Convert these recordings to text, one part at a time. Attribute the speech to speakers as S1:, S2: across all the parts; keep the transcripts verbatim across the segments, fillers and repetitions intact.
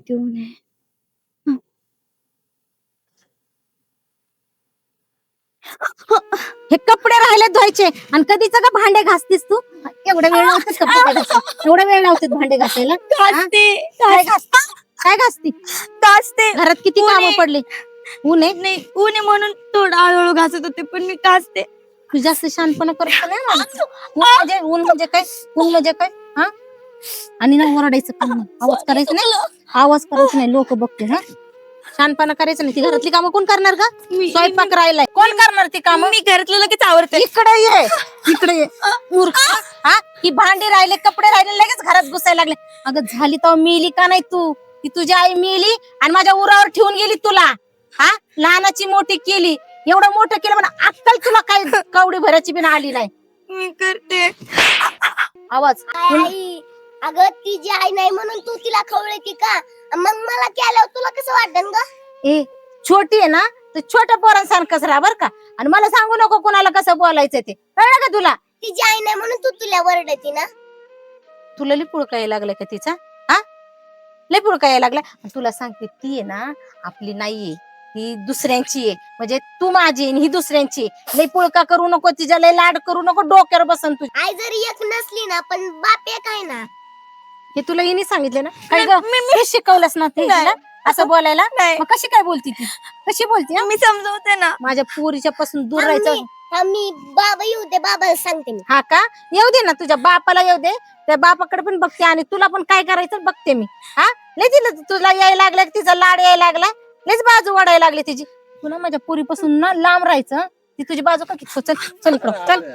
S1: किती ऊन आहे. हं. हे कपडे राहिले धुवायचे आणि कधीच का भांडे घासतीस तू? एवढा वेळ लावतेस का भांडे घासायला? एवढा वेळ लावतेस भांडे घासायला? हा?
S2: घासते
S1: काय घास काय घासती?
S2: घासते
S1: घरात किती
S2: ऊन
S1: कामं
S2: आहे.
S1: पडली. ऊन आहे?
S2: नाही ऊन आहे म्हणून थोडं हळूहळू घासत होते पण मी घासते.
S1: तू जास्त शहाणपणा करत नाही मला. ऊन म्हणजे ऊन म्हणजे काय? ऊन म्हणजे काय? हा? आणि ना ओरडायचं काम नाही. आवाज करायचा नाही. आवाज करायचा नाही. लोक बघते हा. शहाणपणा करायचं नाही. ती घरातली कामं कोण करणार का?
S2: मी
S1: स्वयंपाक राहिलाय. कोण करणार ती कामं?
S2: मी घरातलं लगेच आवडते.
S1: इकडे ये. इकडे ये. मूर्ख. हा? ही भांडी राहिले, कपडे राहिले, लगेच घरात घुसायला लागले. अगं झाली तर मेली का नाही तू? ती तुझी आई मेली आणि माझ्या उरावर ठेवून गेली तुला. हा? लहानाची मोठी केली. एवढं मोठं केलं म्हणा अक्कल तुला काही कवडी भरायची बिन आली नाही.
S2: मी करते.
S1: आवाज
S3: आई अगं तिची आई नाही म्हणून तू तिला खवळती का? मग मला केल्यावर तुला कसं वाटन ग?
S1: ए छोटी आहे ना तर छोट्या पोरांसारखंच राहा बर का. आणि मला सांगू नको कोणाला कसं बोलायचं ते. कळलं का तुला?
S3: तिची आई नाही म्हणून तू तुला वरडती ना?
S1: तुला लई पुळका यायला लागलाय का तिचा? हा लई पुळका यायला लागलाय. तुला सांगते ती आहे ना आपली नाहीये, ही दुसऱ्यांची आहे. म्हणजे तू माझी आणि ही दुसऱ्यांची आहे. लई पुळका करू नको, तिच्या लई लाड करू नको, डोक्यावर बसन तू.
S3: आई जरी एक नसली ना पण बाप एक आहे ना.
S1: हे तुला हिने सांगितले ना? काय ग
S2: मी- मी-
S1: हे शिकवलंस ना ते
S2: नाही.
S1: हिला? असं बोलायला?
S2: नाही.
S1: मग कशी काय बोलती ती? कशी बोलती हा?
S2: मी समजवते ना.
S1: माझ्या पोरीच्या पासून दूर
S3: थांब
S1: राहायचं.
S3: मी- थांब मी बाबा येऊ दे बाबाला सांगते मी.
S1: हा का? येऊ दे ना तुझ्या बापाला येऊ दे. त्या बापाकडे पण बघते आणि तुला पण काय करायचं बघते मी. हा लय तिला तुला यायला लागलं तिचा लाड यायला लागला. लयच बाजू वाढायला लागली तिची. तुला माझ्या पोरीपासून ना लांब राहायचं. ती तुझी बाजू का किती चल चल इकडं चल.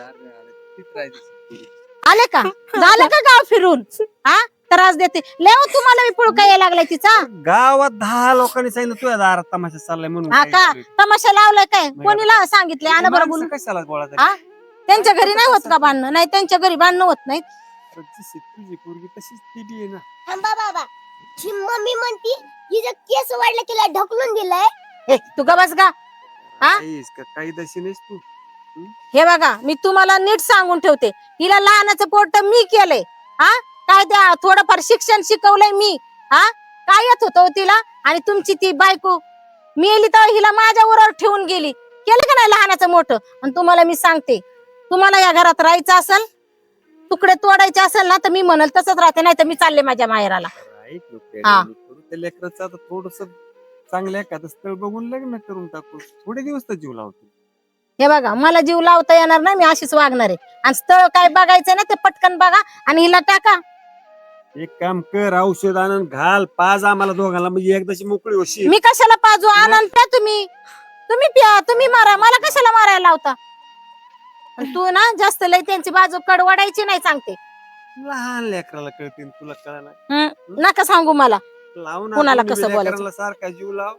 S1: आले का? झालं का गाव फिरून? हा त्रास देते लय हो तुम्हाला मी पुळका यायला लागलाय तिचा.
S4: गावात दहा लोकांनी सांगितलं तुझ्या दारात तमाशा चाललाय म्हणून
S1: हा
S4: काय
S1: का?
S4: करू?
S1: तमाशा लावलाय काय?
S4: नाही
S1: कोणीला सांगितलंय? आणा बरं
S4: माणसं
S1: बोलून.
S4: कशाला बोलायचं?
S1: हा त्यांच्या घरी नाही होत का भांडणं? नाही त्यांच्या घरी भांडणं होत नाहीत.
S4: जशी तुझी पोरगी तशीच ती बी आहे ना.
S3: थांबा बाबा. ही मम्मी म्हणती हिचं केस वाढलं तिला ढकलून दिलंय.
S1: ए तू ग बस का? हा?
S4: काहीच का काही दशी नाहीस तू.
S1: हे बघा मी तुम्हाला नीट सांगून ठेवते. हिला लहानाचं पोट मी केलंय. हा काय द्या थोडंफार शिक्षण शिकवलंय मी. हा काय येत होतं तिला? आणि तुमची ती बायको मेली तर हिला माझ्या उरावर ठेवून गेली. केलं का नाही लहानाचं मोठं? आणि तुम्हाला मी सांगते तुम्हाला या घरात राहायचं असेल तुकडे तोडायचे असेल ना तर मी म्हणल तसंच राहते. नाही तर मी चालले माझ्या माहेराला.
S4: ऐक ना,
S1: हा.
S4: करू त्या लेकराचं आता थोडस चांगलं एखादं स्थळ बघून लग्न करून टाकू. थोडे दिवस तर जीव लावतो.
S1: हे बघा मला जीव लावता येणार नाही. मी अशीच वागणार आहे. आणि स्थळ काय बघायचं ना ते पटकन बघा आणि हिला टाका.
S4: एक काम कर औषध आणून घाल पाज आम्हाला दोघांना म्हणजे एकदाची मोकळी होशी.
S1: मी कशाला पाजू? आनंद प्या तुम्ही. तुम्ही प्या तुम्ही मारा. मला कशाला मारायला लावता? आणि तू ना जास्त लय त्यांची बाजू कडवडायची नाही सांगते.
S4: लहान लेकराला कळतील तुला कळणार
S1: हम्म, नका सांगू मला
S4: लावून
S1: कोणाला
S4: आपण
S1: कसं
S4: बी
S1: बोलायचं?
S4: लेकराला सारखा जीव लाव.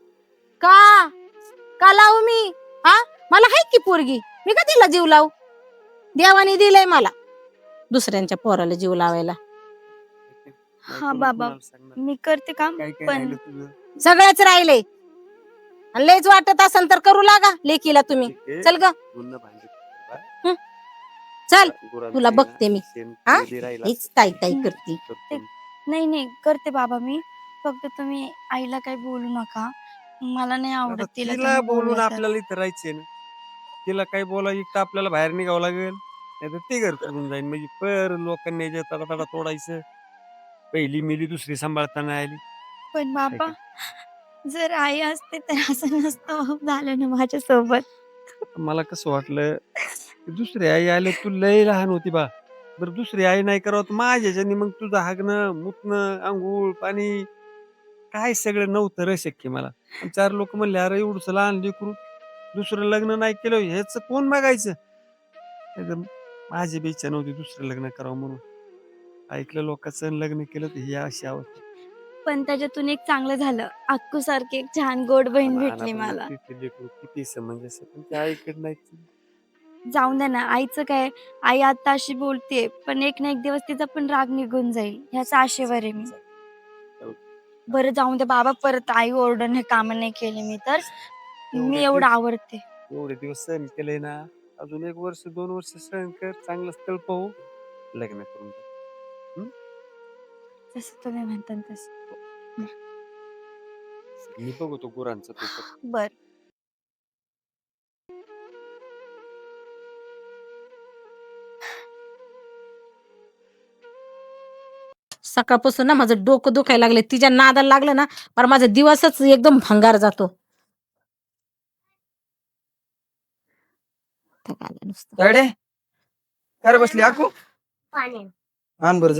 S1: का का लावू मी? हा मला हाय की पोरगी. मी का तिला जीव लावू? देवाने दिलंय मला दुसऱ्यांच्या पोराला जीव लावायला.
S4: नाही
S2: हा
S4: कोणी
S2: बाबा
S4: कोणाला सांगणार.
S2: मी करते काम
S4: काय काय
S2: पण
S4: राहिलं तुझं?
S1: सगळ्याच राहिले. आणि लयच वाटत असेल तर करू लागा लेकीला तुम्ही.
S4: ठीक आहे.
S1: चल ग
S4: गुन्हा भांडे
S1: हं. चल
S4: गुरांचं
S1: तुला
S4: आहे ना,
S1: बघते मी.
S4: शेण
S1: हा?
S4: कधी राहिलं
S1: हेच काय काय करते.
S4: करतो मी.
S2: नाही नाही करते बाबा मी. फक्त तुम्ही आईला काही बोलू नका. मला नाही
S4: आता
S2: आवडत तिला
S4: तिला
S2: तुम्ही
S4: बोलून
S2: बोललं तर.
S4: आपल्याला इथं राहायचंय ना. तिला काही बोलायचं तर आपल्याला बाहेर निघावं लागेल नाही तर ते घर करून जाईल. म्हणजे पर लोकांनी याच्या तडा तडा तोडायचं. पहिली मिली दुसरी सांभाळताना आली.
S2: पण बाबा जर आई असते तर असं नसतं झालं ना माझ्यासोबत.
S4: मला कसं वाटलं की दुसरी आई आले तू लय लहान होती बा. बरं दुसरी आई नाही करावं तर माझ्याच्यानी मग तुझं हागणं मुतणं आंघोळ पाणी काय सगळं नव्हतं रे शक्य मला. आणि चार लोक म्हणले अरे एवढंच लहान लेकरू दुसरं लग्न नाही केलं ह्याच कोण बघायचं. नाहीतर माझी बी इच्छा नव्हती दुसरं लग्न करावं म्हणून. ऐकलं लोकांचं लग्न केलं तर ही अशी अवस्था.
S2: पण त्याच्यातून एक चांगलं झालं. अक्कू सारखी एक छान गोड बहीण
S4: लहान
S2: भेटली
S4: आपण
S2: मला.
S4: किती लेकरू किती समंजस पण त्या आईकडे नाही.
S2: जाऊन द्या ना आईचं काय. आई आता अशी बोलते पण एक ना एक दिवस तिचा पण राग निघून जाईल ह्याचा आशेवर आहे मी. बरं जाऊन द्या बाबा परत आई ओरडून हे काम नाही केले मी तर. मी एवढं आवडते.
S4: एवढे दिवस सहन केलंय ना अजून एक वर्ष दोन वर्ष सहन कर चांगलं स्थळ पाहू लग्न करून टाक.
S2: जसं तुम्ही म्हणता तसं.
S4: मी बघतो गुरांचं ते तर.
S2: बर.
S1: सकाळपासून ना माझं डोकं दुखायला लागले, तिच्या नादाला लागलं ना पर माझा दिवसच एकदम भंगार जातो. थक आलं नुसतं.
S5: तायडे काय रे बसली आकू
S3: पाणी
S5: आण बरं जा.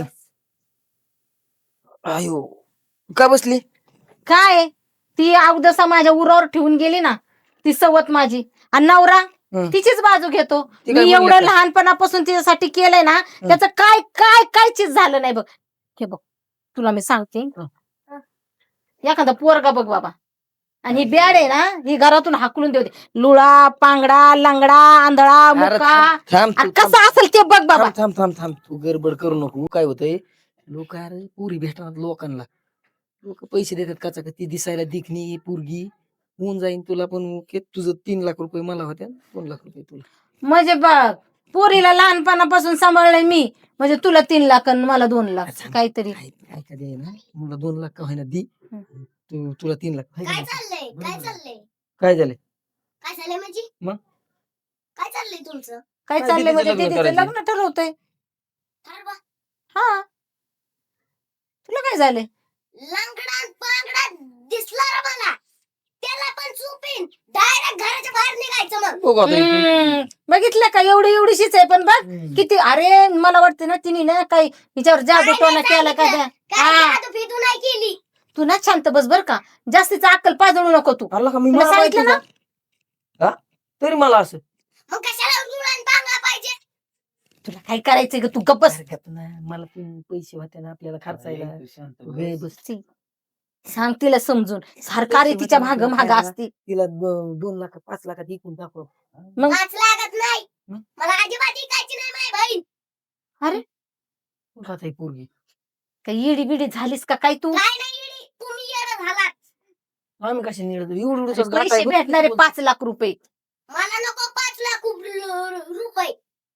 S5: आयो का बसली?
S1: काय ती अवदसा माझ्या उरावर ठेवून गेली ना, ती सवत माझी. आणि नवरा
S5: हं.
S1: तिचीच बाजू घेतो.
S5: ती काय
S1: मी
S5: म्हणली
S1: एवढं
S5: का?
S1: लहानपणापासून तिच्यासाठी केलंय ना, त्याचं काय काय काय चीज झालं नाही बघ. हे बघ तुला मी सांगते, एखादा पोरगा बघ बाबा, आणि ही बॅड आहे ना, ही घरातून हाकलून देते. लुळा पांगडा लंगडा आंधळा
S5: अरे
S1: मुका
S5: थांब थांब
S1: आणि
S5: तू, थांब
S1: कसं असेल ते बघ बाबा.
S5: थांब थांब थांब थांब तू गडबड करू नको. काय होतंय लोक अरे पुरी भेटणार लोकांना, लोक पैसे देतात काचा ती दिसायला दिखणी पोरगी होऊन जाईन तुला पण. के- तुझं तीन लाख रुपये मला होत्या, दोन लाख रुपये तुला.
S1: म्हणजे बघ पोरीला लहानपणापासून सांभाळलंय मी, म्हणजे तुला तीन लाख आणि मला दोन लाख
S5: थांब.
S1: काहीतरी.
S5: काय काय का दे ना, मला दोन लाख का होईना दी,
S1: हं.
S5: तू तुला तीन लाख हाय का
S3: काय
S5: नाही?
S3: चाललंय काय
S5: बरोबर.
S3: चाललंय
S5: काय झालंय?
S3: काय चाललंय म्हणजे
S5: मग?
S3: काय चाललंय तुमचं?
S1: काय
S5: काय
S1: चाललंय
S5: दीदीचं
S1: म्हणजे
S5: लग्न
S1: दीदीचं
S5: करायचंय.
S1: लग्न ठरवतोय.
S3: ठरवा.
S1: हा तुला काय झालंय?
S3: लंगडा पांगडा दिसला रे मला, त्याला पण चुपीन डायरेक्ट घराच्या बाहेर निघायचं मग.
S5: बघू आता इथे.
S1: हम्म, बघितलं का एवढी एवढीशीच आहे पण बघ
S5: हम्म.
S1: किती. अरे मला वाटतं ना तिने ना काही हिच्यावर जादू
S3: काय
S1: टोना
S3: नाही
S1: केला का
S3: सांगितलं.
S1: काय?
S3: काय
S1: हा
S3: जादू फिदू नाही केली.
S1: तू ना शांत बस बर का, जास्तीच अक्कल पाजळू नको तू.
S5: आला का मी
S1: तुला
S5: मला माहिती
S1: सांगितलं ना?
S5: का? हा? तरी मला असं
S3: मग कशाला जुळण पांगला पाहिजे?
S1: तुला काय करायचंय ग, तू गप्प बस.
S5: हरकत नाही. मला पण पैसे होते ना आपल्याला खर्चायला. वेळ बस.
S1: सांग तिला समजून, सरकारी तिच्या माग माग असती.
S5: तिला दो- दोन लाख पाच लाखात इकून दाखव.
S1: मग
S3: वाच लागत नाही.
S5: हं?
S3: मला अजिबात ऐकायची नाही माझी बहीण.
S5: कुठं आता ही पोरगी?
S1: काही येडी बिडी झालीस का काय तू?
S3: काय नाही येडी, तुम्ही येडं झालात.
S5: आम्ही कशा निळत एवढं
S1: अरे
S5: एवढं
S1: पैसे भेटणारे पाच लाख रुपये.
S3: मला नको पाच लाख रु- रुपये.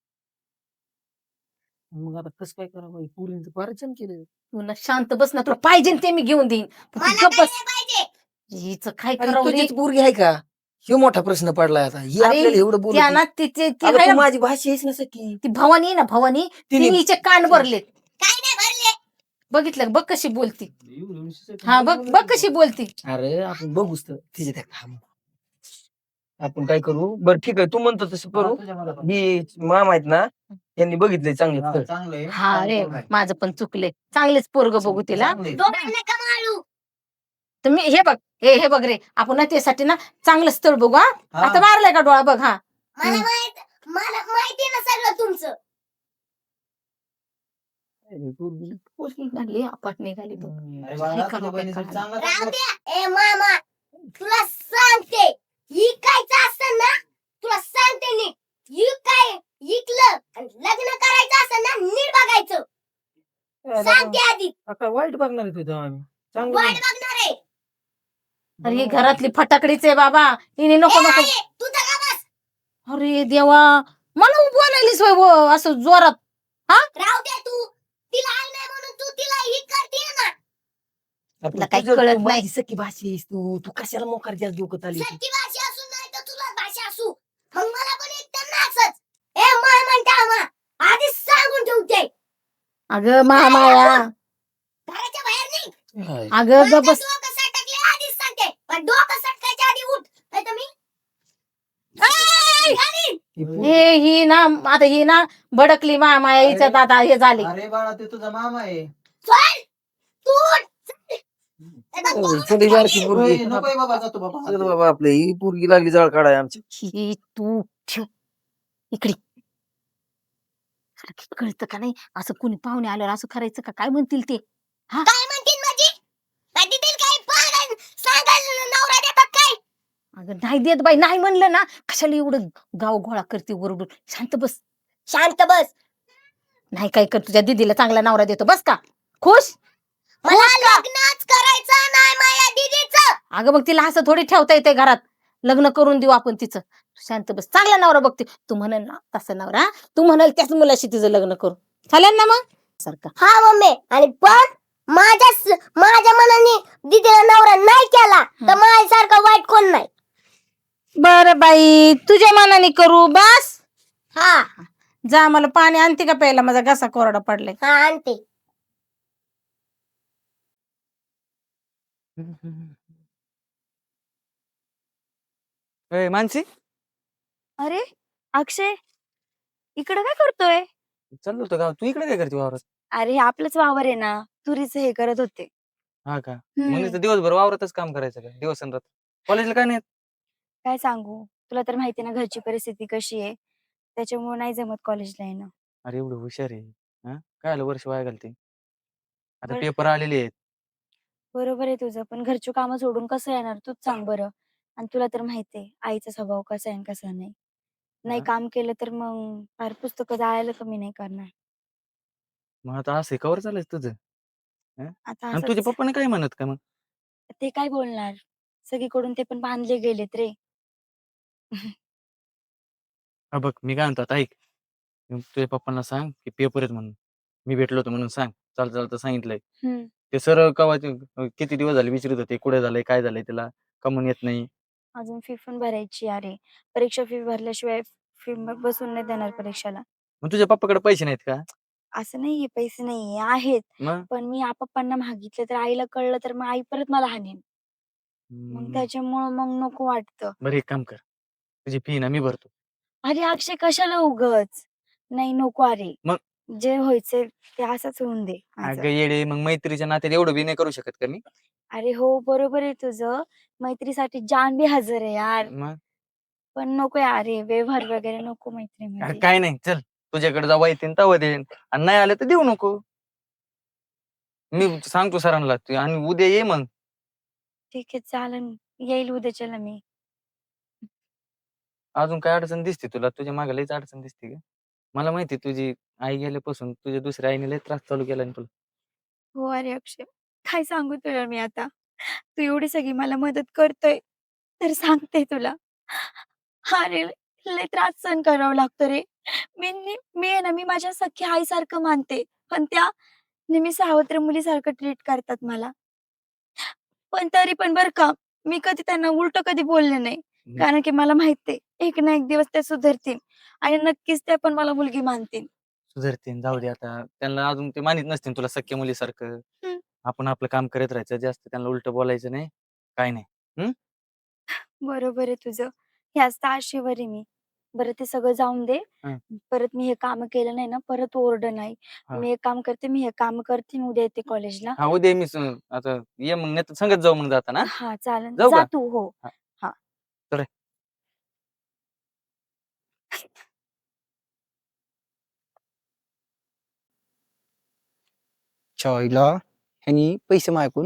S5: मग आता कसं काय करावं? पुरींचं पारचन केलं.
S1: तू ना शांत बस ना, तुला पाहिजे ते मी घेऊन देईन. पण तू
S3: मला
S1: गप्प
S3: काय
S1: बस.
S3: नाही पाहिजे.
S1: हिचं काय
S5: अरे
S1: करावं रे?
S5: तुझीच पोरगी आहे का? ह्यो मोठा प्रश्न पडलाय आता. ही
S1: अरे,
S5: आपल्याला एवढं बोलत
S1: त्या
S5: नाही.
S1: ना तिचे ती
S5: अगं,
S1: आहे
S5: तू
S1: ना,
S5: माझी भाषा आहेस ना सखी.
S1: ती भवानी आहे ना भवानी,
S5: तिने
S1: तिने हिचे कान भरलेत.
S3: काय नाही भरले.
S1: बघितलं का? बघ कशी बोलती. हा बघ बघ कशी बोलती.
S5: अरे आपण बघूच तर तिचे त्या थांब. आपण काय करू बरं ठीक आहे, तू म्हणतो तसं करू. ही मामा आहेत ना, त्यांनी बघितलंय चांगलं स्थळ.
S1: हा रे माझं पण चुकले. चांगलेच पोरग बघू तिला.
S5: चांगलंय.
S3: डोक्यात नका मारू.
S1: तर मी हे बघ, हे हे बघ रे, आपण ना त्यासाठी ना चांगलं स्थळ बघू. हा
S5: हा.
S1: आता मारलाय का डोळा बघ. हा
S3: मला
S1: हं.
S3: माहित मला माहिती ना सगळं तुमचं.
S5: अरे, पोरगी.
S1: पोरगी निघाली, आपट निघाली बघ.
S5: अरे
S1: हे
S5: बाळा,
S1: करा,
S5: तुझ्या
S1: ते
S5: बहिणीसाठी
S1: करा.
S5: चांगला
S3: राहू
S5: चांगला-
S3: द्या. ए मामा, तुला सांगते इकायचं असतं ना, तुला सांगते नीट. इकाय इकलं आणि लग्न करायचं असतं ना, नीट बघायचं.
S5: अरे,
S3: सांगते आधी.
S5: आता वाईट बघणार आहे तुझं आम्ही चांगलं
S3: वाट
S5: नाही.
S3: बघणार आहे.
S1: अरे ही घरातली फटाकडीच आहे बाबा. हिने नको
S3: ए,
S1: नको.
S3: आई, तू तर का बस.
S1: अरे देवा, मला बोलायलीस होय वो, असं जोरात.
S3: राहू दे तू. तिला आई नाही म्हणून तू तिला ही करते ना.
S5: आता
S1: तुला काही
S5: तुझं-
S1: कळत
S5: तू
S1: नाही.
S5: माझी सखी भाषी आहेस तू तू कशाला मोकार जास्त डोकं आली
S3: सख्खी भाषा असू नाही तर तुला भाषा असू, मग मला पण एक त्यांना असंच. ए माय म्हणता मा, आधीच सांगून ठेवते.
S1: अगं मामाया,
S3: घराच्या बाहेर नाही.
S1: अगं
S3: माझं
S1: ग बस.
S3: डोकं सटकले आधीच सांगते, पण डोकं सटकायच्या आधी उठ नाही तर मी आई, घालीन.
S1: हे ही ना आता ही ना भडकली मामाया, हिच्यात आता हे झाले.
S6: अरे बाळा ते तुझा मामा आहे.
S3: चल, तू उठ. चल. नाही तर बोलून
S5: चल, ही बारकी
S3: घालीन.
S5: पोरगी.
S6: होय, नकोय बाबा जातो बाबा.
S5: चल बाबा आपलं ही पोरगी लागली जाळ काढाय आमची.
S1: ही तू ठेव इकडे. अरे, कळतं का नाही, असं कुणी पाहुणे आल्यावर असं करायचं का? काय म्हणतील ते?
S3: काय म्हणतील माझी? काय देतील काय पागल सांगाल नवरा देतात काय?
S1: अगं नाही देत बाई, नाही म्हणलं ना, कशाला एवढं गाव गोळा करते वरडून. शांत बस.
S3: शांत बस.
S1: नाही काय कर, तुझ्या दीदीला चांगला नवरा देतो. बस का खुश?
S3: मला लग्नच करायचं नाही माझ्या दीदीचं.
S1: अगं मग तिला असं थोडी ठेवता येते घरात. लग्न करून देऊ आपण तिचं. शांत बस. चांगला नवरा बघते. तू म्हणाल ना तसा नवरा, तू म्हणाल त्याच मुलाशी तिचं लग्न करू. चालेल ना मग सारखं.
S3: हा मम्मी, आणि पण माझ्या स- माझ्या मनाने दीदीला नवरा नाही केला तर माझ्यासारखा वाईट कोण नाही.
S1: बर बाई तुझ्या मनाने करू बस.
S3: हा
S1: जा मला पाणी आणते का प्यायला, माझा घसा कोरडा पडलाय.
S3: हा आणते.
S7: ए मानसी,
S2: अरे अक्षय, इकडं काय करतोय?
S7: चाललो होतो गाव. तू इकडे काय करते वावरात?
S2: अरे हे आपलंच वावर आहे ना, तुरीचं हे करत होते.
S7: हा का?
S2: हम्म.
S7: म्हणून दिवसभर वावरातच काम करायचं का दिवस आणि रात्र? कॉलेजला काय नाही येत?
S2: काय सांगू तुला, तर माहिती ना घरची परिस्थिती कशी आहे, त्याच्यामुळे नाही जमत कॉलेजला येणं.
S7: अरे एवढं हुशार आहे. हा काय आलं वर्ष वाया घालते? आता
S2: बर-
S7: पेपर आलेले आहेत.
S2: बरोबर आहे तुझं, पण घरची कामं सोडून कसं येणार तूच सांग बरं. आणि तुला तर माहिती आहे आईचा स्वभाव कसा आहे आणि कसा नाही. नाही
S7: हा?
S2: काम केलं तर मग फार पुस्तकं जायला कमी नाही करणार.
S7: मग आता असं कवर चालायचं तुझं? हा?
S2: आता
S7: आणि तुझ्या
S2: असंच
S7: पप्पाने काय म्हणत का मग?
S2: ते काय बोलणार, सगळीकडून ते पण बांधले गेलेत रे.
S7: हा बघ मी काय म्हणतो आता ऐक. तू तुझ्या पप्पांना सांग की पेपर आहेत म्हणून. मी भेटलो होतो म्हणून सांग. चालतं चालतं सांगितलंय.
S2: हम्म.
S7: ते सर कवा किती दिवस झाले विचारत होते कुठे झालंय काय झालंय त्याला, का म्हणून येत नाही.
S2: अजून फी पण भरायची अरे, परीक्षा फी भरल्याशिवाय फी बसून नाही देणार परीक्षेला.
S7: मग तुझ्या पप्पाकडे पैसे नाहीत का?
S2: असं नाहीये पैसे नाहीये, आहेत.
S7: मग
S2: पण मी आ पप्पांना मागितले तर आईला कळलं तर मग आई परत मला हाणेल. मग
S7: हम्म,
S2: त्याच्यामुळं मग नको वाटतं.
S7: बरं एक काम कर. तुझी फी ना मी भरतो.
S2: अरे अक्षय कशाला उगच, नाही नको अरे.
S7: मग?
S2: जे व्हायचंय ते असंच होऊन दे माझं.
S7: अगं येडे, मग मैत्रीच्या नात्यात एवढं बी नाही करू शकत का मी?
S2: अरे हो बरोबर आहे तुझं, मैत्रीसाठी जान बी हजर आहे यार.
S7: मग
S2: पण नको यार हे व्यवहार वगैरे नको
S7: अरे
S2: मैत्रीमध्ये.
S7: काय नाही, चल तुझ्याकडे जेव्हा येतील तेव्हा देईन आणि नाही आलं तर देऊ नको. मी सांगतो सरांना तू आणि उद्या ये मग.
S2: ठीक आहे चालन, येईल उद्याच्याला मी.
S7: अजून काय अडचण दिसते तुला? तुझ्या मागे लईच अडचण दिसते का? मला माहिती तुझी आई गेल्यापासून तुझ्या दुसऱ्या आईने लई त्रास चालू केला ना तुला.
S2: हो अरे अक्षय, काय सांगू तुला मी आता, तू एवढी सगळी मला मदत करतोय तर सांगते तुला, अरे लय त्रास सहन करावा लागतो रे. मी नी- मी आहे ना, मी माझ्या सख्या आईसारखं मानते, पण त्या नेहमी सावत्र मुलीसारखं ट्रीट करतात मला. पण तरी पण बर का, मी कधी त्यांना उलट कधी बोलले नाही,
S7: हम्म.
S2: कारण की मला माहिती आहे एक ना एक दिवस त्या सुधरतील आणि नक्कीच त्या पण मला मुलगी मानतील.
S7: सुधरतीन, जाऊ दे आता. त्यांना अजून ते मानित नसतील तुला सख्या मुलीसारखं.
S2: हम्म.
S7: आपण आपलं काम करत राहायचं, जास्त त्यांना उलट बोलायचं नाही, काय नाही. हम्म?
S2: बरोबर आहे तुझं, ह्याच तर आशेवर आहे मी. बरं ते सगळं जाऊन दे,
S7: हं.
S2: परत मी हे काम केलं नाही ना परत ओरड नाही.
S7: हा.
S2: मी एक काम करते, मी हे काम करते आणि उद्या येते कॉलेजला.
S7: हा उद्या मी स- आता ये मग, नाही तर संगत जाऊ मग जाताना.
S2: हा चालेल,
S7: जाऊ
S2: जा
S7: का?
S2: तू. हो.
S7: हा.
S2: हा.
S7: चल.
S8: चॉईला ह्यानी पैसे मागून.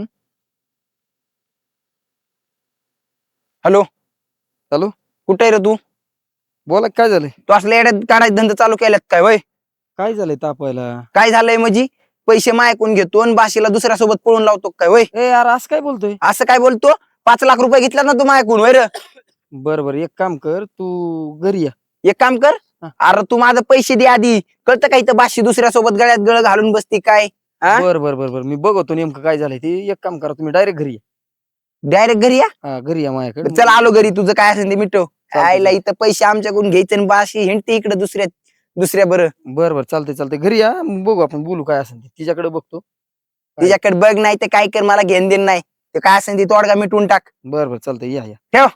S8: हॅलो
S5: हॅलो,
S8: कुठे आहे रे तू?
S5: बोला काय झालंय?
S8: तू असल्या येड्यात काढायचे धंदे चालू केल्यात काय वय?
S5: काय झालंय तापायला?
S8: काय झालंय म्हणजे? पैसे मायकून घेतो आणि बाशीला दुसऱ्या सोबत पळून लावतो काय वय?
S5: ए यार असं काय बोलतोय?
S8: असं काय बोलतो? पाच लाख रुपये घेतला ना तू मायकून वय र?
S5: बर बर एक काम कर, तू घरी या.
S8: एक काम कर,
S5: हा.
S8: अरे तू माझं पैसे दे आधी. कळतं का इथं बाशी दुसऱ्या सोबत गळ्यात गळ घालून बसती काय? हा?
S5: बर बर बर बर मी बघतो नेमकं काय झालंय ते. एक काम करा, तुम्ही डायरेक्ट घरी या.
S8: डायरेक्ट घरी या.
S5: हा घरी या माझ्याकडे.
S8: चल आलो घरी, तुझं काय असेल ते मिटव.
S5: चालतंय,
S8: आईला
S5: चालतंय.
S8: इथं पैसे आमच्याकडून घ्यायचे आणि बाशी हिंडते इकडे दुसऱ्या दुसऱ्या बरं.
S5: बर बर चालतंय चालतंय, घरी या मग बघू आपण बोलू काय असेल ते. तिच्याकडे बघतो.
S8: तिच्याकडे बघ, नाही तर काय कर, मला घेण देण नाही. ते काय असेल ते तोडगा मिटवून टाक.
S5: बर बर चालतंय, या या.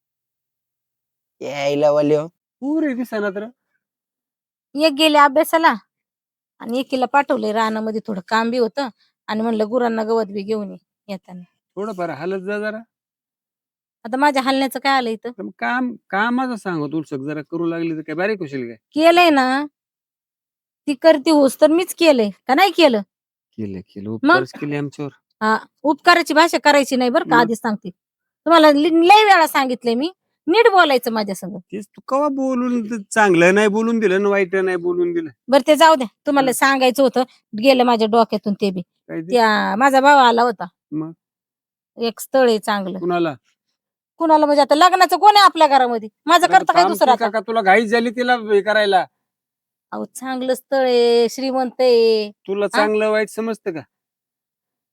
S8: यायला वाल्यो.
S4: पुरे दिसना तर.
S1: एक गेले अभ्यासाला आणि एकीला पाठवले रानामध्ये, थोडं काम बी होतं आणि म्हणलं गुरांना गवत बी घेऊन ये येताना.
S4: थोडंफार हालत जा जरा.
S1: आता माझ्या हलण्याचं काय आलं इथं?
S4: तर मग काम कामाचं सांगत उलसक जरा करू लागली तर काय बारीक होशील काय?
S1: केलंय ना, ती करते होस तर मीच केलंय का नाही केलं?
S4: केलं केलं उपकारच केले आमच्यावर.
S1: हा, उपकाराची भाषा करायची नाही बरं का,
S4: मग?
S1: आधीच सांगते तुम्हाला. लि- लय वेळा सांगितलंय मी, नीट बोलायचं माझ्या संग.
S4: तेच तू कवा बोलून तर चांगलं नाही बोलून दिलं आणि वाईट नाही बोलून दिलं.
S1: बरं ते जाऊ द्या, तुम्हाला
S4: हं.
S1: सांगायचं होतं, गेलं माझ्या डोक्यातून ते बी.
S4: काय ते?
S1: त्या माझा भाव आला होता,
S4: मग
S1: एक स्थळ आहे चांगलं.
S4: कुणाला?
S1: कुणाला म्हणजे आता लग्नाचं कोण आहे आपल्या घरामध्ये? माझं करता काय
S4: काम
S1: दुसरं
S4: केलं
S1: आता?
S4: का तुला घाईच झाली तिला हे करायला?
S1: अहो चांगलं स्थळ आहे, श्रीमंत आहे.
S4: तुला चांगलं वाईट समजतं का?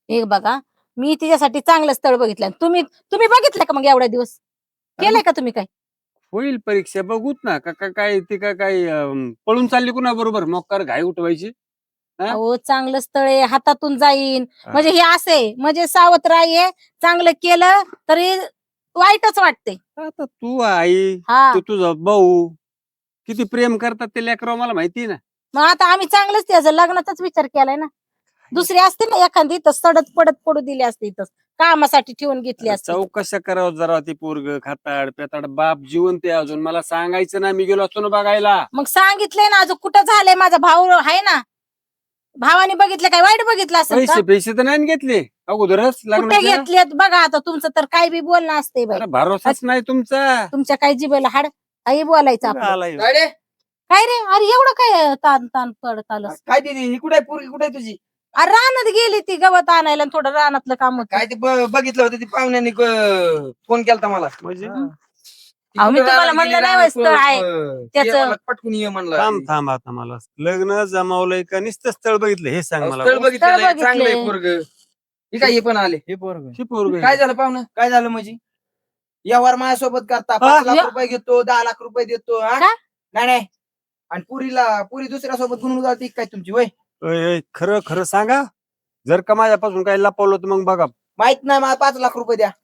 S1: हे बघा मी तिच्यासाठी चांगलं स्थळ बघितलं तुम्ही तुम्ही बघितलं का मग एवढ्या दिवस केलंय का तुम्ही काय
S4: होईल परीक्षा बघूत ना का का- काय ती का काय अं, पळून चालली कुणा बरोबर मोकार घाई उठवायची हा?
S1: अहो चांगलं स्थळ आहे हातातून जाईन
S4: हा.
S1: म्हणजे हे असे म्हणजे सावत्र आहे चांगलं केलं तरी वाईटच वाटते
S4: आता तू आई
S1: हा
S4: तू तुझा भाऊ किती प्रेम करतात ते लेकरं मला माहिती आहे ना
S1: मग आता आम्ही चांगलंच त्याचं लग्नाचाच विचार केलाय ना दुसरी असते ना एखादी तर सडत पडत पडू दिली असते इथं कामासाठी ठेवून घेतली असते
S4: चौकशा करावं जरा ती पोरग खाताड पेताड बाप जिवंत आहे अजून मला सांगायचं ना मी गेलो असतो ना बघायला
S1: मग सांगितलंय ना अजून कुठं झालंय माझा भाऊ आहे ना भावाने बघितलं काय वाईट बघितलं असेल का
S4: पैसे पैसे तर नाही घेतले अगोदरच
S1: कुठे
S4: लग्नाचे
S1: घेतलेत बघा आता तुमचं तर काय बी बोलणं असते बाई
S4: अरे भरोसाच नाही तुमचा
S1: तुमच्या काय जिभेला हाड काही बोलायचं
S4: कुठं
S1: आपलं
S4: आलाय ह्यो?
S5: काय रे
S1: काय रे अरे एवढं काय ताण ताण पडत आलं
S5: काय दिदी ही कुठे पोरगी कुठे तुझी
S1: अरे रानात गेली ती गवत आणायला आणि थोडं रानातलं काम होतं
S5: काय ते ब- बघितलं होतं ती पाहुण्याने फोन केलता मला
S4: म्हणजे
S5: ती
S1: अहो, मी
S5: कुठं
S1: तुम्हाला
S5: रानात
S1: म्हणलं
S5: गेली,
S1: नाही
S5: रानात
S1: स्थळ आहे.
S5: अं,
S1: त्याचं-
S5: ये म्हणलं, पटकून ये म्हणलं
S4: थांब थांब आता मला लग्न जमावलंय का नुसतं स्थळ बघितलं हे सांग मला
S5: स्थळ बघितलेलं आहे,
S1: स्थळ
S5: चांगलं आहे
S1: बघितलंय.
S5: पोरग ठीक आहे हे पण आले
S6: हे पोरग
S4: ही पोरग
S5: काय झालं पाहुणं काय झालं म्हणजे व्यवहार माझ्यासोबत करता पाच लाख
S1: या-
S5: रुपये घेतो दहा लाख रुपये देतो हा?
S1: का?
S5: नाही नाही आणि पुरीला पुरी दुसऱ्या सोबत गुणून जाते काय तुमची वय
S4: खरं खरं सांगा जर का माझ्यापासून काही लपवलं तर मग बघा
S5: माहित नाही मला पाच लाख रुपये द्या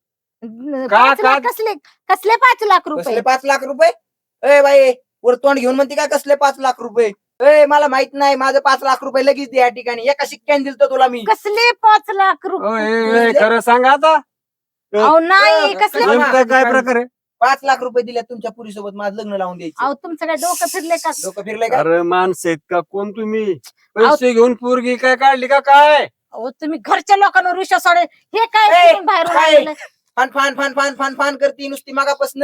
S1: पाच लाख
S4: का?
S1: कसले कसले पाच लाख
S5: कसले
S1: रुपये
S5: पाच लाख रुपये ए बाई वर तोंड घेऊन म्हणते काय कसले पाच लाख रुपये ए मला माहित नाही माझं पाच लाख रुपये लगेच द्या या ठिकाणी एका शिक्क्याने दिलतो तुला मी
S1: कसले पाच लाख
S4: ओ,
S1: रुपये
S4: ए, ए, खरं सांगा आता
S1: अहो नाही
S5: अ,
S1: कसले
S5: कसले-
S4: नेमकं काय प्रकार आहे
S5: पाच लाख रुपये दिल्या तुमच्या पुरीसोबत माझं लग्न लावून द्यायचं
S1: अहो तुमचं काय डोकं फिरले का
S5: लोक फिरले का
S4: अरे माणसं आहेत का कोण तुम्ही पैसे घेऊन पोरगी काय काढली का काय
S1: अहो तुम्ही घरच्या लोकांवर विश्वास सोडे हे
S5: ए,
S1: काय कुठून बाहेरून
S5: काय?
S1: आलेलं?
S5: फान फान फान फान फान फान करती नुसती मागापासून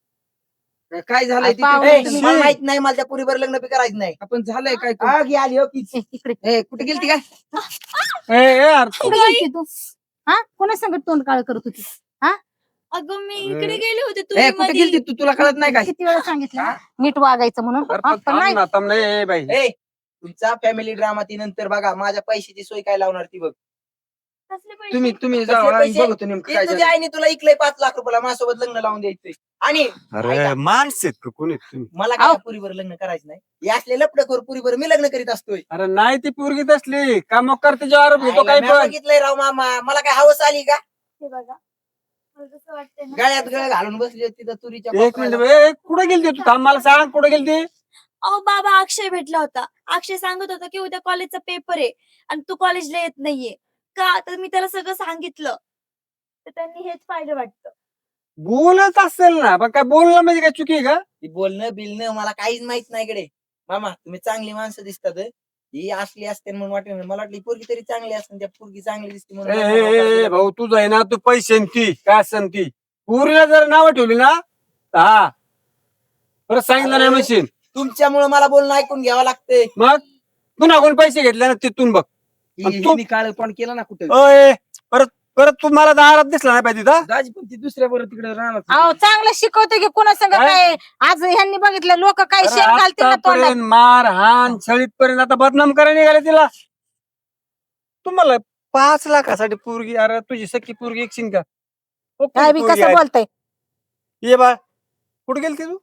S5: काय झालंय
S1: अहो, पाहुणे
S5: तिथे? ए,
S1: तुम्ही-
S5: मला माहित नाही मला त्या पुरीवर लग्न बी करायचं नाही आपण झालंय काय आग ही आली हो की
S1: ए, इकडे
S5: ए, कुठे गेलती काय
S4: ए, ए, यार,
S1: कुठे गेलती तू हा कोणा संगत तोंड काळ करत होती
S2: अगं मी
S4: अरे.
S2: इकडे गेले होते
S5: ए,
S2: तुम्ही
S5: कुठे
S2: मधी.
S5: गेलती तू तुला कळत नाही काय
S1: किती वेळा सांगितलं
S5: हा?
S1: नीट वागायचं म्हणून
S4: अरे,
S1: हा,
S4: पण
S1: पण
S4: थांब
S1: नाही
S4: ना, थांब ना, ए, बाई
S5: ए तुमचा फॅमिली ड्रामा ती नंतर बघा माझ्या पैशाची सोय काय लावणार ती बघ
S2: कसले पैसे?
S5: तुम्ही तुम्ही
S3: कसले
S5: जावा आणि
S3: पैसे?
S5: बघतो नेमकं काय तुझ्या आईने तुला इकलंय पाच लाख रुपयाला माझ्यासोबत लग्न लावून द्यायचंय आणि
S4: अरे
S5: ऐका.
S4: माणसं आहेत का कोणी आहेत तुम्ही
S5: मला काय त्या पुरीवर लग्न करायचं नाही या असले लपडखोर पुरीवर मी लग्न करीत असतोय
S4: अरे नाही ती पोरगीत असली का मग करते आरोप घेतो काय
S5: मी
S4: पण
S5: बघितलंय राव मामा मला काय हवस आली का
S2: हे बघा मला तसं वाटतंय ना.
S5: गळ्यात गळ घालून बसली तिथं तुरीच्या
S4: एक मिनिट
S5: कोपऱ्याला.
S4: ए, कुठे गेलती तू थांब मला सांग कुठे गेलती
S2: अहो बाबा अक्षय भेटला होता अक्षय सांगत होता की उद्या कॉलेजचा पेपर आहे आणि तू कॉलेजला येत नाहीये का तर मी त्याला सगळं सांगितलं तर त्यांनी हेच पाहिलं वाटतं
S4: बोलत असेल ना पण काय बोलणं म्हणजे काय चुकी आहे का
S5: ती बोलणं बिलणं मला काहीच माहित नाही इकडे मामा तुम्ही चांगली माणसं दिसतात हं. ही असली असते म्हणून वाटत नाही. मला वाटली पोरगी तरी चांगली असते त्या पोरगी चांगली दिसते
S4: ए,
S5: म्हणून
S4: ए,
S5: मला
S4: ए, ए,
S5: वाटलं.
S4: भाऊ तुझं आहे ना तू पैसे ती काय असन ती पुरीला जर नावं ठेवली ना तर हा परत सांगितलं नाही मशीन
S5: तुमच्यामुळे मला बोलणं ऐकून घ्यावं लागतंय
S4: मग पुन्हा कोण पैसे घेतले ना तिथून बघ आणि तू-
S5: मी काळ पण केलं ना कुठं
S4: अय परत परत तू मला दारात दिसला नाही पाहिजे तिथं
S5: दाजी पण ती दुसऱ्या बरोबर तिकडे राहणार
S1: अहो चांगलं शिकवतो की कोणा संग
S4: काय?
S1: काय आज ह्यांनी बघितलं लोक काय
S4: अरे,
S1: शेण घालतील ना तोंडात
S4: आतापर्यंत मार हान छळीत पर्यंत आता बदनाम करायला निघाले तिला तुम्हाला पाच लाखासाठी पोरगी अरे तुझी सख्खी पोरगी एकशीन का ओ,
S1: काय बी
S4: पोरगी
S1: कसं
S4: आहे.
S1: बोलताय
S4: ये बा कुठे गेलती तू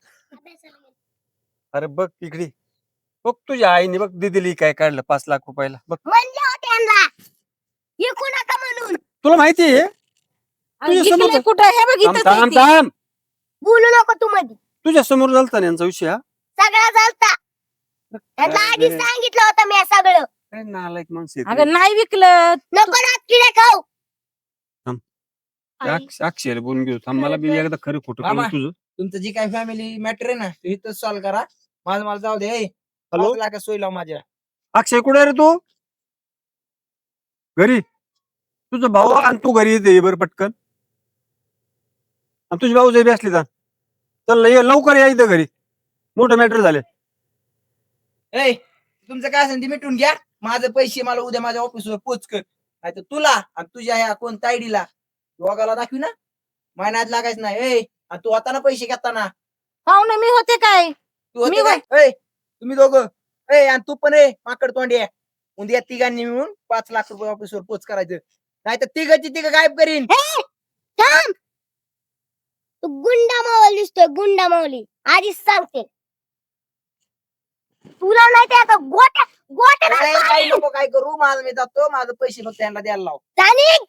S4: अरे बघ इकडे बघ तुझ्या आईने बघ दिदीली काय काढलं पाच लाख रुपयाला बघ
S3: म्हणले होते यांना विकू नका म्हणून
S4: तुला माहिती आहे तुझ्या
S1: इकडे
S4: समोर-
S1: कुठं हे
S4: थांब
S1: बघितलं
S4: थांब थांब
S3: बोलू नको तू मध्ये
S4: तुझ्या समोर झालता ना यांचा विषय हा
S3: सगळा चालता यांना आधी
S4: अरे,
S3: सांगितलं होतं मी सगळं
S4: काय नालायक माणसं आहेत
S1: अगं
S4: रे.
S1: नाही विकलं
S3: नको ना किडे खाऊ
S2: आई,
S4: अक्ष- अक्षयला बोलून घेऊ थांब मला बी
S2: खरं तर-
S4: एकदा खरं खोटं
S5: मामा.
S4: कळलं तुझं
S5: तुमचं जी काही फॅमिली मॅटर आहे ना ते इथंच सॉल्व्ह करा माझं मला जाऊ दे ए,
S4: हॅलो
S5: पाच लाख सोय लाव माझ्या
S4: अक्षय कुठे रे तू घरी तुझा भाऊ आणि तू घरी येते बरं पटकन आणि तुझे भाऊ जे बी असले तर चल ये लवकर या इथं घरी मोठं मॅटर झाले
S5: ए तुमचं काय असेल ते मिटून घ्या माझे पैसे मला उद्या माझ्या ऑफिसवर पोच कर नाही तर तुला आणि तुझ्या ह्या कोण तायडीला दोघाला दाखवी ना महिन्यात लागायचं नाही ए आणि तू आता ना पैसे घेताना
S1: पाहुणे मी होते काय
S5: तू होते
S1: मी
S5: काय ए तुम्ही दोघं ए आणि तू पण ए माकड तोंडी आहे
S8: उद्या तिघांनी मिळून पाच लाख रुपये ऑफिसवर पोच करायचं नाही तर तिघाची तिघ गायब करीन.
S3: हे, थांब. तू गुंडा मावली दिसतोय गुंडा मावली आधीच सांगते तुला नाही ते आता गोट्या गोट्या
S8: अरे, काय नको काय करू माझं मी जातो माझं पैसे फक्त त्यांना द्यायला लाव.
S3: जाणीक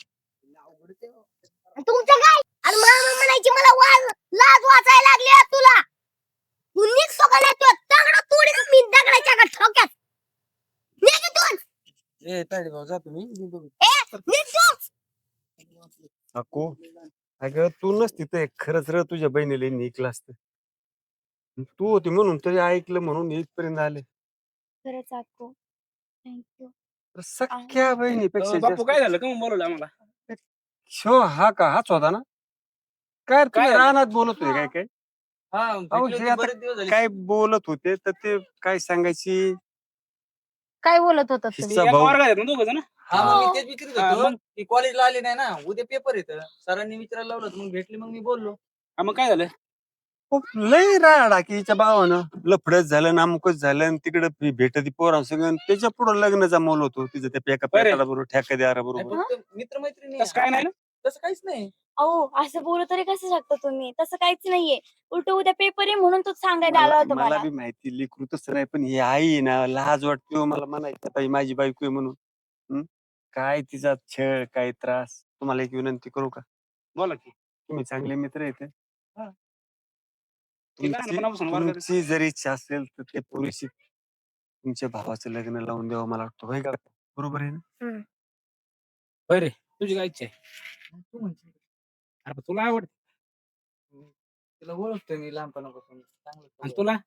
S3: तुमचं काय आणि मामा म्हणायची मला वाज लाज वाचायला लागली आहे तुला तू निघ सोकाला तू दगड तोडीन मी दगडाच्या का ठोक्यात निघ इथून.
S4: ए ताडी भाऊ जा तुम्ही मी बघू.
S3: ए निघ तू.
S4: अको अगं तू नसती तर खरंच र तुझ्या बहिणीला निकलं असतं. तू होती म्हणून तरी ऐकलं म्हणून इथपर्यंत आले.
S2: खरंच अक्को थँक्यू.
S4: तर सख्या बहिणीपेक्षा
S9: बापू काय
S4: जास्त-
S9: झालं का मग बोलवलं आम्हाला?
S4: शो हा का हाच होता ना काय रे, तुम्ही
S9: काय?
S4: रानात बोलत होते काय काय
S7: हा
S4: अहो,
S7: भेटली
S4: हे
S7: होती,
S4: आता
S7: बरेच दिवस झाले.
S4: काय बोलत होते तर ते काय सांगायची
S1: काय बोलत होता तुम्ही
S4: हिस्सा
S9: एका
S4: भाऊ
S9: वर्गात आहेत ना दोघं जण?
S7: हा मग मी तेच विचारत
S9: हा,
S7: होतो
S9: मग?
S7: की कॉलेजला आली नाही ना उद्या पेपर येतं सरांनी विचारायला लावलं होतं, मग भेटली मग मी बोललो.
S9: हा, मग काय झालं?
S4: खूप लय राडा की हिच्या भावानं लफडच झालं नामुकच झालं आणि तिकडे भेटती पोरांसंग त्याच्या पुढे लग्न जमवलं होतं तिचं त्या एका
S9: बरं.
S4: पेकाला बरोबर ठेकेदारा
S7: नाही,
S4: बरोबर
S7: फक्त मित्रमैत्रिणी
S9: तसं काय नाही ना?
S7: तसं काहीच नाही.
S2: अहो असं बोलू तरी कसं शकता तुम्ही तसं काहीच नाहीये उलट उद्या पेपर आहे म्हणून तूच सांगायला आला
S4: मला
S2: होता
S4: मला
S2: मला.
S4: बी माहिती लेकरू तसं नाही पण ही आई आहे ना लाज वाटते हो मला म्हणायचं आता ही माझी बायको आहे म्हणून हं? काय तिचा छळ काय त्रास तुम्हाला एक विनंती करू का
S9: बोला की.
S4: तुम्ही चांगले मित्र आहेत
S9: हे लहानपणापासून
S4: तुमची
S9: वर्गात-
S4: तुमची जर इच्छा असेल तर ते पुरुषी तुमच्या भावाचं लग्न लावून द्यावं मला वाटतं होय का बरोबर आहे ना
S9: होय रे, तुझी काय इच्छा आहे?
S7: तू म्हणशील
S9: अरे, तुला आवड
S7: तिला ओळखतोय मी लहानपणापासून चांगलं
S9: आणि
S7: सगळं.
S9: तुला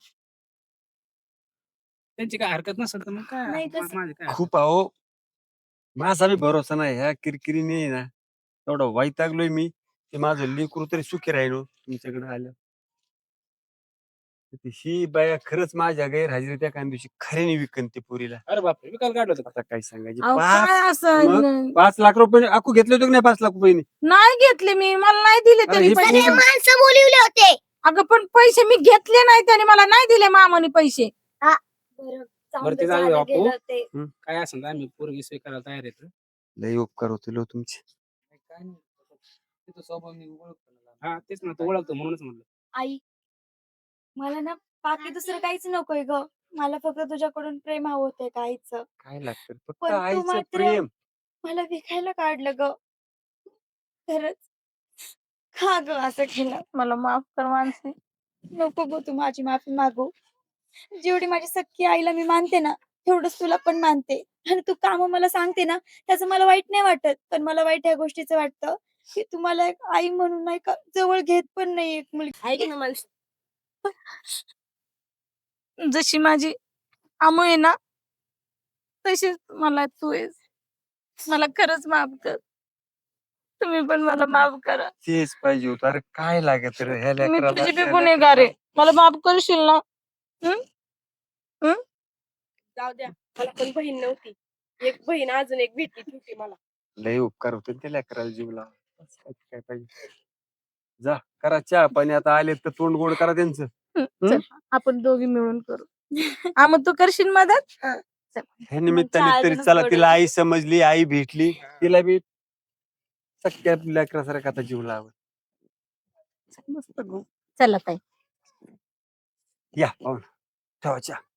S9: त्यांची काय हरकत नसेल तर मग काय
S2: नाही,
S9: मा-
S2: तसं-
S9: माझी काय हरकत?
S4: खूप अहो माझा बी भरोसा नाही ह्या किरकिरीने आहे ना एवढं वैतागलोय मी की माझं लेकरू तरी सुखी राहिलो तुमच्याकडे आलं ही बाया खरंच माझ्या गैरहजेरीत एका दिवशी खऱ्याने विकन ती पुरीला
S9: अरे बापरे, विकायला काढलं होतं का?
S4: आता काय सांगायचे
S1: अहो,
S4: पाच
S1: काय असं
S4: मग? पाच लाख रुपये अकू घेतले होते की नाही पाच लाख रुपये
S1: नाही घेतले मी मला नाही दिले
S4: अरे,
S1: त्यांनी
S4: हे
S1: पैसे
S3: सगळे माणसं बोलिवले होते
S1: अगं पण पैसे मी घेतले नाही त्याने मला नाही दिले मामाने पैसे
S2: बरं जाऊन
S9: बरं,
S2: दे,
S9: ते जाऊ दे
S2: झालं
S9: बापू.
S2: गेलं ते.
S9: काय असेल तर आम्ही पोरगी स्वीकारायला तयार आहेत.
S4: लय उपकार होते लो तुमचे
S7: काय नाही तिचा स्वभाव मी ओळखतो ना.
S9: हा, तेच ना, तू ओळखतो म्हणूनच म्हणलं.
S2: आई मला ना बाकी दुसरं काहीच नकोय ग मला फक्त तुझ्याकडून प्रेम हवं होतंय काहीच
S4: काय लागतं फक्त
S2: पण तू
S4: आईचं
S2: मात्र-
S4: प्रेम
S2: मला विकायला काढलं ग खरंच का ग असं केलं मला माफ कर मानसी नको ग तू माझी माफी मागू जेवढी माझी सख्खी आईला मी मानते ना तेवढंच तुला पण मानते आणि तू काम मला सांगते ना त्याचं मला वाईट नाही वाटत पण मला वाईट ह्या गोष्टीचं वाटतं की तुम्हाला एक आई म्हणून नाही का जवळ घेत पण नाही एक मुलगी
S1: ऐक ना मला जशी माझी आमू आहे ना तशीच मला तू आहेस मला खरंच माफ कर तुम्ही पण मला माफ करा
S4: तेच पाहिजे होतं अरे काय लागत रे ह्या
S1: मी
S4: लेकराला,
S1: तुझी बी
S4: त्या
S1: गुन्हेगार आहे
S4: लेकराला.
S1: मला माफ करशील ना
S10: जाऊ द्या मला पण बहीण नव्हती एक बहीण अजून एक भेटली होती मला
S4: लय उपकार होते ना त्या लेकराला जीव लावा काय पाहिजे जा करा चहा पाणी आता आले तर तोंड गोड करा त्यांचं
S1: चल, आपण दोघी मिळून करू आ मग तू करशील मदत चल.
S4: ह्या निमित्ताने
S2: चहा
S4: तरी
S2: अजूनच
S4: चला
S2: गोड
S4: तिला
S2: होते.
S4: आई समजली आई भेटली तिला बी सख्या लेकरासारखा आता जीव लावा मस्त गो
S1: चला ताई
S4: या पाहून ठेवा चहा